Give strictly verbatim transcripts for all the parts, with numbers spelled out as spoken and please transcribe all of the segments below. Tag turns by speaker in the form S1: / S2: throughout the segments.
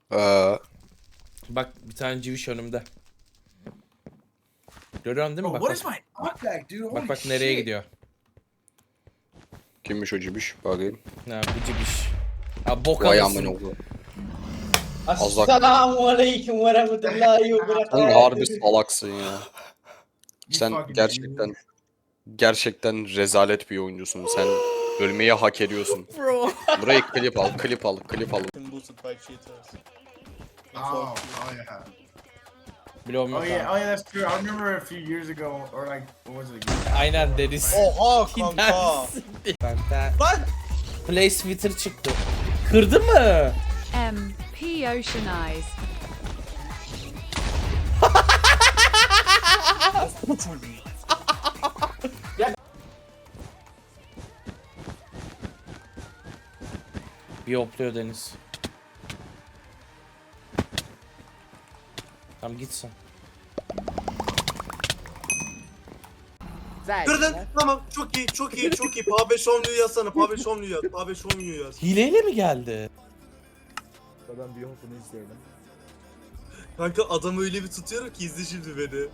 S1: Ee,
S2: Bak bir tane civiş önümde. Görüyorsun değil mi?
S3: Bro,
S2: Bak
S3: what is
S2: bak.
S3: my knockback, dude? Holy
S2: Bak bak nereye
S3: shit.
S2: gidiyor.
S1: kimmiş o cibiş? Bakayım.
S2: Ha bu civiş. Ha bok
S1: Vay amına
S2: alırsın.
S1: oğlum.
S4: Assalamu alaikum ve rahmetullahi ve
S1: Sen harbi
S4: berekatuhu.
S1: salaksın ya.
S3: You
S1: Sen
S3: fucking
S1: gerçekten
S3: idiot.
S1: gerçekten rezalet bir oyuncusun. Sen ölmeyi hak ediyorsun.
S2: Bro.
S1: Burayı klip al, klip al, klip al.
S4: Boosted by cheaters.
S3: Oh, oh yeah.
S2: Bilmiyorum
S3: Oh
S2: yok
S3: yeah,
S2: ha.
S3: oh yeah, that's true. I remember a few years ago, or like, what was it again?
S2: Aynen Deniz.
S4: Oha kanka.
S2: Gidersin. Kanka.
S4: Lan.
S2: Play Twitter çıktı. Kırdı mı?
S5: M P Ocean Eyes.
S2: Bir hopluyor Deniz. Tamam gitsin.
S4: Kırdın. Tamam. Çok iyi, çok iyi, çok iyi. Pabe Şomlu'yu yazsana. Pabe Şomlu'yu yaz. Pabe Şomlu'yu yaz.
S2: Hileyle mi geldi?
S6: Ben bir hopunu izleyelim.
S4: Kanka adamı öyle bir tutuyorum ki izle şimdi beni.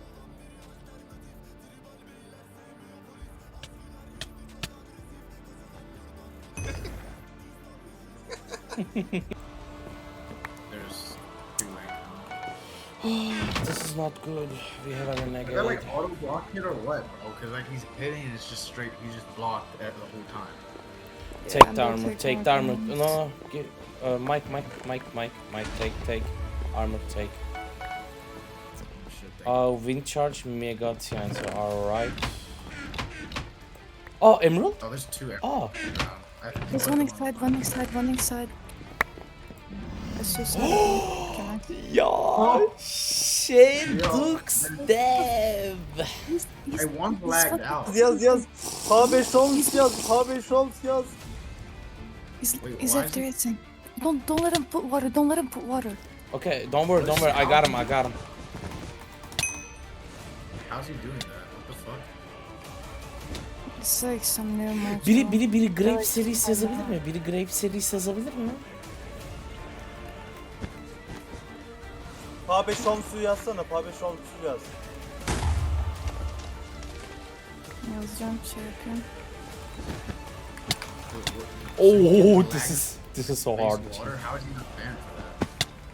S3: There's two ways.
S2: This is not good. We have a
S3: Is that
S2: negative.
S3: like auto block hit or what, bro? Because like he's hitting and it's just straight. He's just blocked the whole time.
S2: Take the armor. Take the armor. No, no. Give, uh, Mike, Mike, Mike, Mike, Mike. Take, take. Armor, take.
S3: Shit, thank you.
S2: Uh, wind charge, mega Tianzi. Alright. Oh, emerald?
S3: Oh, there's two.
S2: Oh.
S3: Um, I think
S7: There's
S3: one
S7: one
S3: of them-
S7: inside, one inside, one inside. It's just Can I?
S2: Ya. Şey,
S3: Yo.
S2: Dux Dev.
S7: He's, he's,
S3: Hey, one
S7: he's
S3: blacked
S7: fucking-
S3: out.
S4: Yaz yaz. Pabe Şomlu yaz. Pabe Şomlu yaz.
S7: He's,
S3: Wait,
S7: he's
S3: why
S7: after
S3: is
S7: it. Don't don't let him put water. Don't let him put water.
S2: Okay, don't worry, don't worry. I got him, I got him.
S3: How's he doing that? What the fuck?
S7: It's like some new mod.
S2: Biri biri biri Grape serisi yazabilir mi? Biri Grape serisi yazabilir mi?
S4: Pabe Şomlu'yu yazsana. Pabe Şomlu'yu yaz.
S7: Yazacağım şey yapıyorum.
S2: Oh, this is this is so
S3: Face
S2: hard.
S3: water? How is he not banned for that?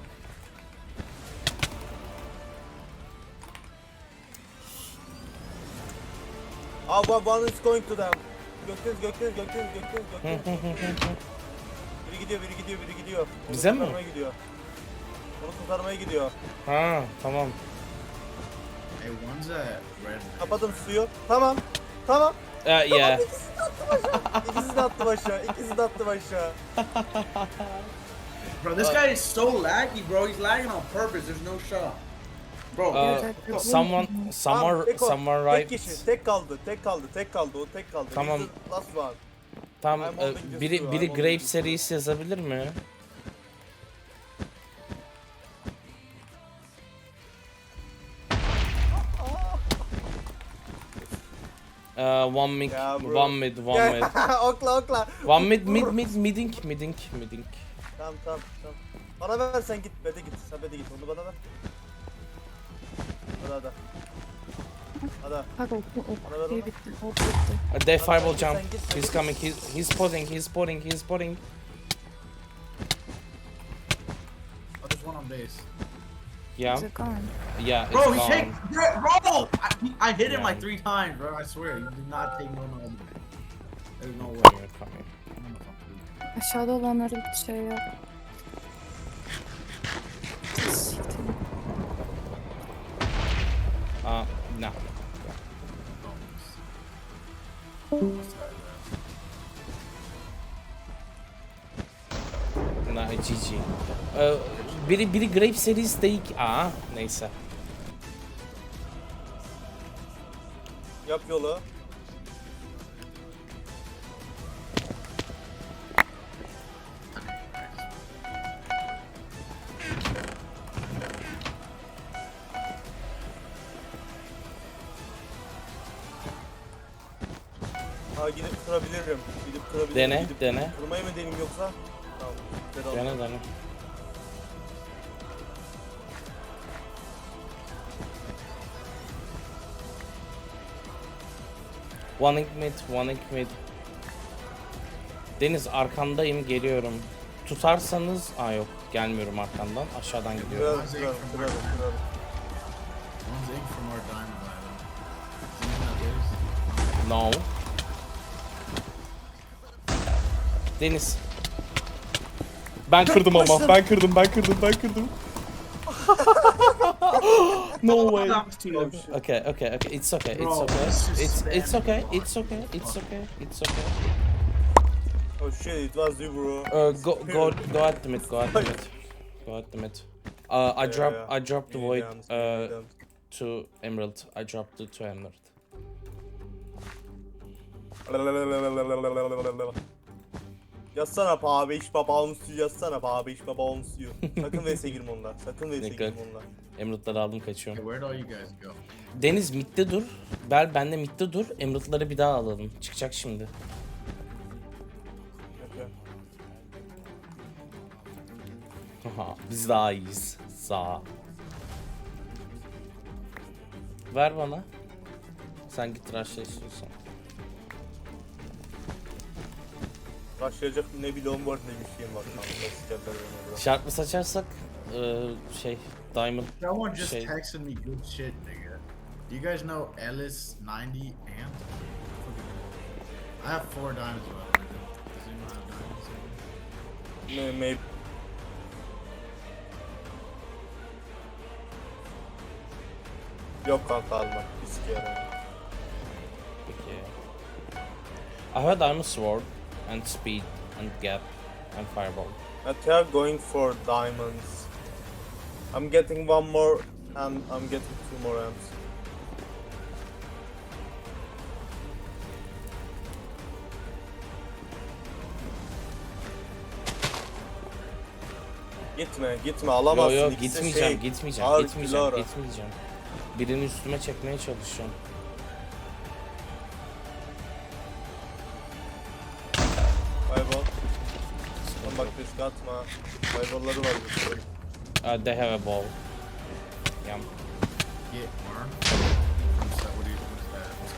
S4: Ah, one, one is going to them. Gökdeniz, Gökdeniz, Gökdeniz, Gökdeniz, Gökdeniz. Biri gidiyor, biri gidiyor, biri gidiyor. Onu
S2: Bize mi?
S4: kurtarmaya gidiyor. Onu kurtarmaya gidiyor.
S2: Ha, tamam.
S3: Hey, one's a red.
S4: Kapadım suyu. Tamam. Tamam.
S2: Uh, yeah.
S4: İkisi de attım aşağı. İkisi de attım aşağı.
S3: Bro, this guy is so laggy, bro. He's lagging on purpose. There's no shot. Bro,
S2: Uh, someone, someone,
S4: Tamam, tek o.
S2: someone
S4: Tek
S2: right.
S4: kişi. Tek kaldı. Tek kaldı. Tek kaldı. O tek kaldı.
S2: Tamam.
S4: He's the last one.
S2: Tamam,
S4: I'm holding
S2: e,
S4: this
S2: biri
S4: too,
S2: biri
S4: I'm holding
S2: Grape
S4: this.
S2: serisi yazabilir mi? Uh, one mid,
S4: Ya bro.
S2: one mid, one mid.
S4: okla okla.
S2: One mid, mid, mid, midding, midding, midding.
S4: Tamam tamam tamam. Bana ver sen git. Bede git. Sen bede git. Onu bana ver. Hadi hadi. Hadi.
S7: Hadi ok, ok,
S4: Bana ver
S7: ok,
S4: onu.
S7: bitti, ok bitti.
S2: Uh, they fireball
S4: sen
S2: jump.
S4: git, sen
S2: He's
S4: git.
S2: coming. He's he's spotting. He's spotting. He's spotting.
S3: oh, there's one on base.
S2: Yeah,
S7: Is it gone?
S2: yeah. It's
S3: Bro, he
S2: gone.
S3: take, bro. I, I hit him
S2: Yeah.
S3: like three times, bro. I swear, you did not take no no. There's no way.
S2: Coming, coming.
S7: Aşağıda olanları şey yap. Siktir.
S2: Uh, no. Nah, G G. Uh, biri biri Grape serisi değil ki. Aa, neyse.
S4: Yap yolu. Ha gidip kırabilirim. Gidip kırabilirim.
S2: Dene,
S4: Gidip
S2: dene.
S4: Kırmayı mı deneyim yoksa? Tamam. Bedava.
S2: Dene dene. One ink mid, one ink mid. Deniz arkandayım, geliyorum. Tutarsanız, aa yok gelmiyorum arkandan, aşağıdan gidiyorum.
S4: Kırarım kırarım kırarım kırarım.
S3: One's ink from our diamond island. Isn't that
S2: No. Deniz. Ben kırdım ama, ben kırdım, ben kırdım, ben kırdım. No way. Okay, okay, okay. It's okay. It's
S3: Bro,
S2: okay.
S3: it's just
S2: It's it's
S3: spamming
S2: okay.
S3: block.
S2: It's okay. It's okay. It's okay.
S4: Oh shit, it was you bro.
S2: Uh, go go go at the mid. Go at the mid. Go at the mid. Uh, I
S4: Yeah,
S2: drop
S4: yeah.
S2: I dropped the
S4: İyi
S2: void
S4: yalnız, iyi
S2: uh
S4: yalnız.
S2: to emerald. I dropped it to emerald.
S4: Yazsana pa beş baba on suyu yazsana pa beş baba on suyu. Sakın V S'e girme onunla. Sakın V S'e
S2: Ne
S4: girme
S2: kadar-
S4: onunla.
S2: Emerald'ları aldım,
S3: Okay,
S2: kaçıyorum.
S3: where'd all you guys go?
S2: Deniz midde dur. Bel ben de midde dur. Emerald'ları bir daha alalım. Çıkacak şimdi.
S4: Okay.
S2: Haha, biz daha iyiyiz. Sağ. Ver bana. Sen git rush'la istiyorsan.
S4: Başlayacak ne bir lon var ne bir şeyim var. Kanka, sikerler beni orada.
S2: Şart mı saçarsak eee, şey Diamond
S3: Someone just
S2: şey
S3: texted me good shit, nigga. Do you guys know Ellis ninety Ant? I have four diamonds left. Does anyone have diamonds?
S4: Ne maybe. Yok kanka alma. Bir sikerim.
S2: peki. I have a Diamond Sword and Speed and Gap and Fireball.
S4: But they are going for diamonds. I'm getting one more and I'm getting two more amps. Gitme, gitme
S2: Yo
S4: alamazsın.
S2: yo
S4: İkisi
S2: gitmeyeceğim,
S4: şey,
S2: gitmeyeceğim,
S4: ağır
S2: gitmeyeceğim,
S4: kilo ara.
S2: gitmeyeceğim. Birini üstüme çekmeye çalışıyorum.
S4: Fireball. Lan bak risk atma. Fireball'ları var bir sürü.
S2: Uh, they have a ball. Yeah.
S3: Get armed? What's that? What do you, what's that? What's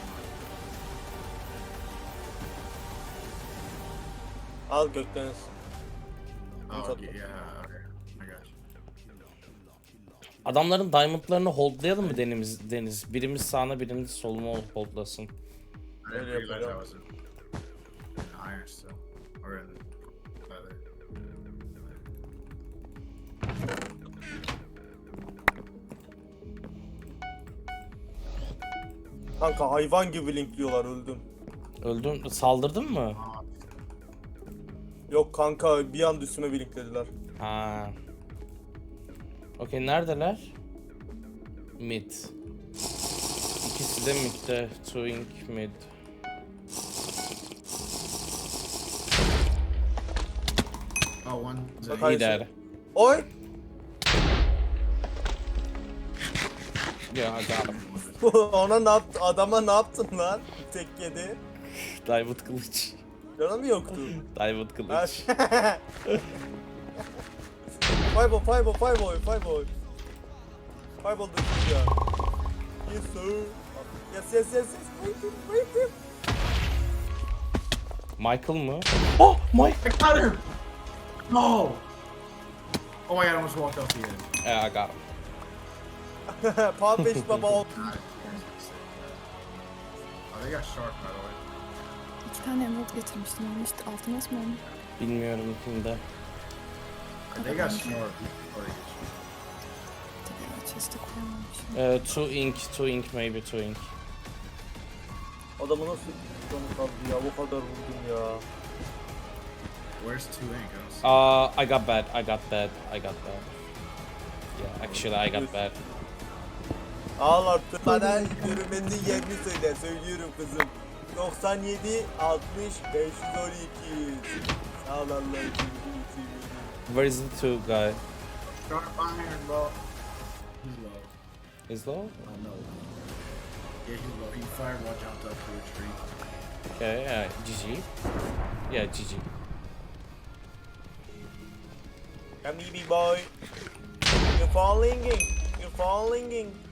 S3: going
S4: Al gökdeniz.
S3: on? Oh,
S4: What's up?
S3: yeah, okay. I got you.
S2: Adamların diamondlarını holdlayalım mı Deniz? Deniz? Birimiz sağına, birimiz soluma holdlasın.
S3: I didn't
S4: Öyle
S3: realize I
S4: yapacağım.
S3: was in, in iron still. Or in leather.
S4: Kanka hayvan gibi linkliyorlar öldüm.
S2: Öldün, saldırdın mı?
S3: Ah,
S4: Yok kanka bir an üstüme bir linklediler.
S2: Ha. Okey, neredeler? Mid. İkisi de midde. Two ink mid.
S3: oh, one's
S4: Bak,
S3: a
S4: hayır.
S2: Gider.
S4: Oy!
S2: Yeah, I got him.
S4: Ona ne yaptı? Adama ne yaptın lan? Tek yedi.
S2: Diamond kılıç.
S4: Canı mı yoktu?
S2: Diamond
S4: Ha,
S2: kılıç.
S4: Fireball, fireball, fireball, fireball. Fireball da ya. Yes sir. Yes yes yes yes. Wait him, wait him.
S2: Michael mı? Oh, Mike!
S3: I got him! No! Oh my god, I almost walked off the edge.
S2: Yeah, I got him.
S4: Pound beş baba ol.
S3: Got it. Oh, they got sharp, by the way.
S7: İki tane emerald getirmiştim onu işte altın asma onu.
S2: Bilmiyorum kimde.
S3: They got sharp before they get sharp.
S7: Tabii o chest'e koyamamışım.
S2: Uh, two ink, two ink, maybe two ink.
S4: Adamı nasıl canı kaldı ya? Bu kadar vurdum ya.
S3: Where's two ink? I don't see
S2: Uh, I got bad, I got bad, I got bad. Yeah, actually I got bad.
S4: Al artık. Bana görünmenin yerini söyle. Söylüyorum kızım. doksan yedi altmış beş yüz on iki. Sağ ol Allah'ım.
S2: Where is the two guy?
S3: Sharp iron, bro. He's low.
S2: Is low?
S3: Oh no. Yeah, he's low. He fireball jumped up to a tree.
S2: Okay, yeah, G G. Yeah, G G.
S4: Come here, big boy. You're falling in. You're falling in.